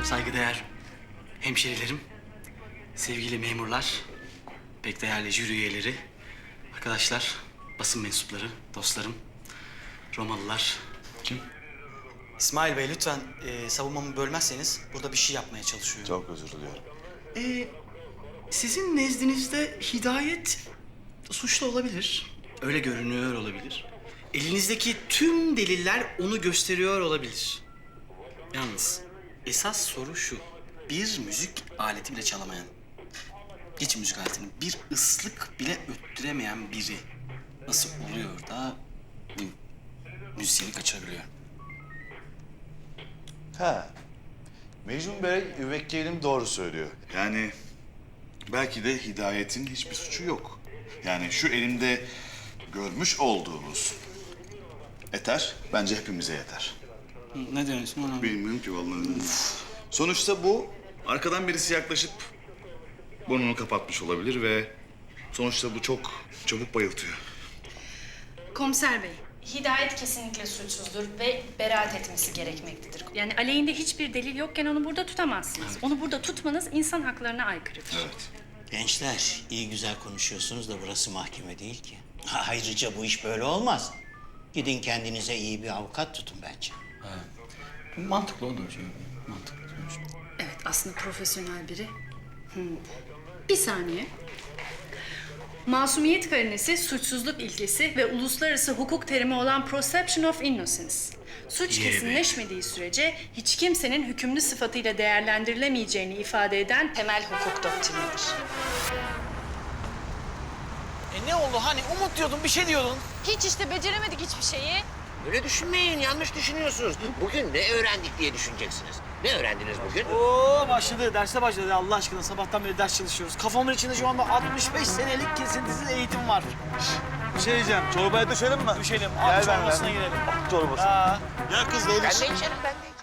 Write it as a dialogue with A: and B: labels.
A: saygıdeğer hemşerilerim, sevgili memurlar, pek değerli jüri üyeleri, arkadaşlar, basın mensupları, dostlarım, Romalılar.
B: Kim?
A: İsmail Bey lütfen savunmamı bölmezseniz burada bir şey yapmaya çalışıyorum.
B: Çok özür diliyorum.
A: Sizin nezdinizde Hidayet suçlu olabilir. Öyle görünüyor olabilir. Elinizdeki tüm deliller onu gösteriyor olabilir. Yalnız esas soru şu. Bir müzik aleti bile çalamayan, geç müzik aletini bir ıslık bile öttüremeyen biri nasıl oluyor da bu müzisyeni kaçırabiliyor?
B: Ha. Mecnun Bey müvekkilim doğru söylüyor. Yani belki de Hidayet'in hiçbir suçu yok. Yani şu elimde görmüş olduğunuz eter bence hepimize yeter.
A: Ne diyorsun ona?
B: Bilmiyorum ki vallahi. Sonuçta bu arkadan birisi yaklaşıp burnunu kapatmış olabilir ve sonuçta bu çok çabuk bayıltıyor.
C: Komiser Bey, Hidayet kesinlikle suçsuzdur ve beraat etmesi gerekmektedir. Yani aleyhinde hiçbir delil yokken onu burada tutamazsınız. Onu burada tutmanız insan haklarına aykırıdır.
B: Evet.
D: Gençler, iyi güzel konuşuyorsunuz da burası mahkeme değil ki. Ayrıca bu iş böyle olmaz. Gidin kendinize iyi bir avukat tutun bence.
A: Mantıklı olur. Mantıklı.
C: Evet, aslında profesyonel biri. Bir saniye. Masumiyet karinesi, suçsuzluk ilkesi ve uluslararası hukuk terimi olan presumption of innocence. Suç
A: Yeah,
C: kesinleşmediği sürece hiç kimsenin hükümlü sıfatıyla değerlendirilemeyeceğini ifade eden temel hukuk doktrinidir.
E: Ne oldu hani umut diyordun bir şey diyordun.
F: Hiç işte beceremedik hiçbir şeyi.
G: Öyle düşünmeyin, yanlış düşünüyorsunuz. Bugün ne öğrendik diye düşüneceksiniz. Ne öğrendiniz bugün?
E: Oo başladı, derse başladı ya Allah aşkına. Sabahtan beri ders çalışıyoruz. Kafamın içinde şu anda 65 senelik kesintisiz eğitim var.
H: Bir şey diyeceğim. Çorbaya düşelim mi?
E: Düşelim,
H: Gel
E: at
H: benimle.
E: çorbasına girelim.
H: Çorbası.
E: Aa.
H: Ya kız
G: Ben de içerim, ben de içerim.